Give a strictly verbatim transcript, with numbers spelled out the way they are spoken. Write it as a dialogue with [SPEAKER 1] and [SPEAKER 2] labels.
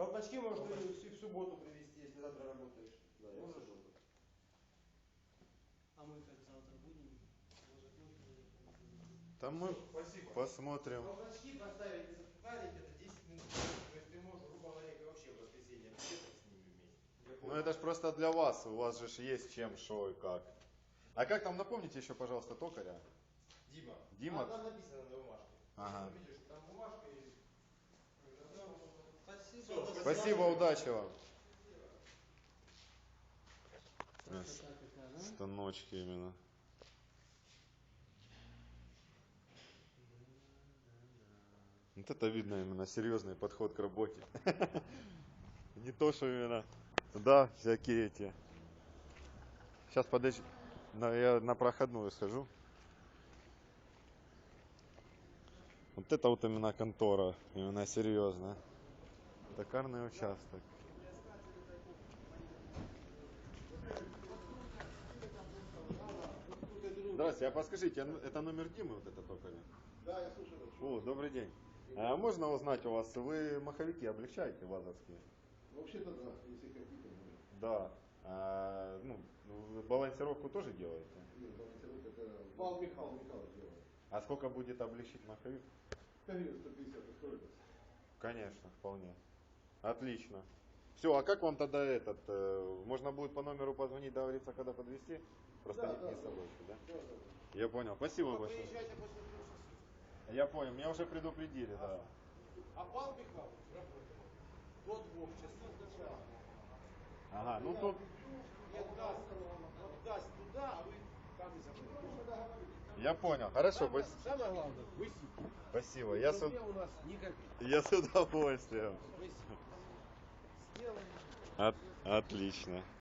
[SPEAKER 1] Колпачки можно и в субботу привезти, если завтра работаешь.
[SPEAKER 2] Да, я в субботу.
[SPEAKER 3] А мы как завтра будем?
[SPEAKER 4] Там мы
[SPEAKER 1] Спасибо.
[SPEAKER 4] посмотрим.
[SPEAKER 1] Колпачки поставить и запарить это десять минут. То есть ты можешь, грубо говоря, вообще в воскресенье приехать с ними вместе.
[SPEAKER 4] Ну это ж просто для вас, у вас же ж есть чем, шо и как. А как там, напомните еще, пожалуйста, токаря?
[SPEAKER 1] Дима.
[SPEAKER 4] Дима?
[SPEAKER 1] А, там написано на бумажке.
[SPEAKER 4] Ага.
[SPEAKER 1] Видишь, там бумажка и...
[SPEAKER 3] Спасибо.
[SPEAKER 1] Всё,
[SPEAKER 3] Спасибо.
[SPEAKER 4] Спасибо, удачи вам.
[SPEAKER 3] Красота какая, да?
[SPEAKER 4] Станочки именно. Вот это видно именно серьезный подход к работе. Не то, что именно, да, всякие эти. Сейчас подожди, я на проходную схожу. Вот это вот именно контора, именно серьезно. Токарный участок. Здравствуйте, а подскажите, это номер Димы вот это токаря?
[SPEAKER 2] Да, я слушаю.
[SPEAKER 4] О, добрый день. А можно узнать у вас, вы маховики облегчаете вазовские?
[SPEAKER 2] Вообще-то да, если хотите.
[SPEAKER 4] Да. А, ну, балансировку тоже делаете?
[SPEAKER 2] Нет, балансировка это Павел Михайлович делает.
[SPEAKER 4] А сколько будет облегчить маховик?
[SPEAKER 2] Конечно, сто пятьдесят ускорится.
[SPEAKER 4] Конечно, вполне. Отлично. Все, а как вам тогда этот, э, можно будет по номеру позвонить, договориться, когда подвезти? Просто
[SPEAKER 2] Да,
[SPEAKER 4] не,
[SPEAKER 2] да,
[SPEAKER 4] не
[SPEAKER 2] да.
[SPEAKER 4] собой, да?
[SPEAKER 2] Да, да.
[SPEAKER 4] Я понял, спасибо
[SPEAKER 1] Вы
[SPEAKER 4] большое.
[SPEAKER 1] приезжайте после трех часов.
[SPEAKER 4] Я понял, меня уже предупредили, да.
[SPEAKER 1] А Павел Михайлович работает до двух часов.
[SPEAKER 4] Ага, ну тут...
[SPEAKER 1] И отдаст, отдаст туда, а вы там и забудете.
[SPEAKER 4] Я понял, хорошо,
[SPEAKER 1] Самое,
[SPEAKER 4] спасибо.
[SPEAKER 1] самое главное, вы сидите.
[SPEAKER 4] Спасибо. Я с,
[SPEAKER 1] У меня у нас ни копейки.
[SPEAKER 4] я с удовольствием.
[SPEAKER 1] Вы сделаем.
[SPEAKER 4] От, отлично.